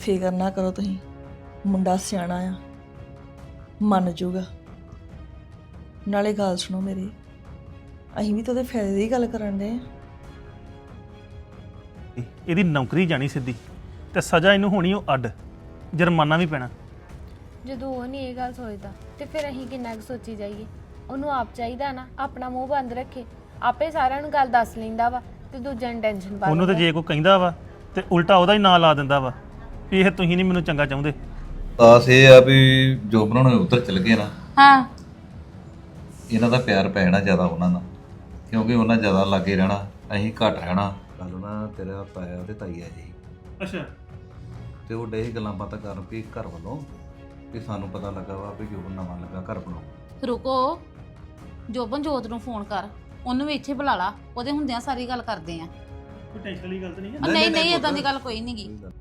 ਫਿਕਰ ਨਾ ਕਰੋ ਤੁਸੀਂ, ਮੁੰਡਾ ਸਿਆਣਾ ਆ, ਮੰਨ ਜੂਗਾ। ਨਾਲੇ ਗੱਲ ਸੁਣੋ ਮੇਰੀ, ਅਸੀਂ ਵੀ ਤਾਂ ਉਹਦੇ ਫਾਇਦੇ ਦੀ ਗੱਲ ਕਰਨ ਦੇ। ਇਹਦੀ ਨੌਕਰੀ ਜਾਣੀ ਸਿੱਧੀ ਤੇ ਸਜ਼ਾ ਇਹਨੂੰ ਹੋਣੀ ਉਹ ਅੱਡ, ਜੁਰਮਾਨਾ ਵੀ ਪੈਣਾ। ਜਦੋਂ ਉਹ ਨਹੀਂ ਇਹ ਗੱਲ ਸੋਚਦਾ ਤੇ ਫਿਰ ਅਸੀਂ ਕਿੰਨਾ ਕੁ ਸੋਚੀ ਜਾਈਏ। ਉਹਨੂੰ ਆਪ ਚਾਹੀਦਾ ਨਾ ਆਪਣਾ ਮੂੰਹ ਬੰਦ ਰੱਖੇ, ਆਪੇ ਸਾਰਿਆਂ ਨੂੰ ਗੱਲ ਦੱਸ ਲੈਂਦਾ ਵਾ ਤੇ ਦੂਜਿਆਂ ਨੂੰ ਟੈਨਸ਼ਨ ਪਾ ਉਹਨੂੰ ਤੇ ਜੇ ਕੋਈ ਕਹਿੰਦਾ ਵਾ ਤੇ ਉਲਟਾ ਉਹਦਾ ਹੀ ਨਾਂ ਲਾ ਦਿੰਦਾ ਵਾ ਵੀ ਇਹ ਤੁਸੀਂ ਨਹੀਂ ਮੈਨੂੰ ਚੰਗਾ ਚਾਹੁੰਦੇ। ਆਸ ਇਹ ਆ ਵੀ ਜੋ ਬਣਾਉਣੇ ਉੱਧਰ ਚਲ ਗਏ ਨਾ, ਹਾਂ ਇਹਨਾਂ ਦਾ ਪਿਆਰ ਪੈ ਜਾਣਾ ਜ਼ਿਆਦਾ ਉਹਨਾਂ ਨਾਲ, ਕਿਉਂਕਿ ਉਹਨਾਂ ਜ਼ਿਆਦਾ ਲਾਗੇ ਰਹਿਣਾ, ਅਸੀਂ ਘੱਟ ਰਹਿਣਾ। ਕੱਲ ਨਾ ਤੇਰਾ ਤਾਇਆ ਤੇ ਤਾਈ ਆ ਜੀ, ਅੱਛਾ, ਤੇ ਉਹ ਡੇ ਗੱਲਾਂ ਬਾਤਾਂ ਕਰਨ ਵੀ ਘਰ ਵੱਲੋਂ ਵੀ ਸਾਨੂੰ ਪਤਾ ਲੱਗਾ ਵਾ ਵੀ ਜੋ ਨਵਾਂ ਲੱਗਾ ਘਰ ਬਣਾਉ। ਰੁਕੋ, ਜੋਬਨ ਜੋਤ ਨੂੰ ਫੋਨ ਕਰ, ਉਹਨੂੰ ਵੀ ਇੱਥੇ ਬੁਲਾ ਲਾ, ਉਹਦੇ ਹੁੰਦਿਆਂ ਸਾਰੀ ਗੱਲ ਕਰਦੇ ਆ। ਕੋਈ ਟੈਨਸ਼ਨ ਵਾਲੀ ਗੱਲ ਤਾਂ ਨਹੀਂ ਹੈ। ਨਹੀਂ ਨਹੀਂ ਇਦਾਂ ਦੀ ਗੱਲ ਕੋਈ ਨਹੀਂਗੀ।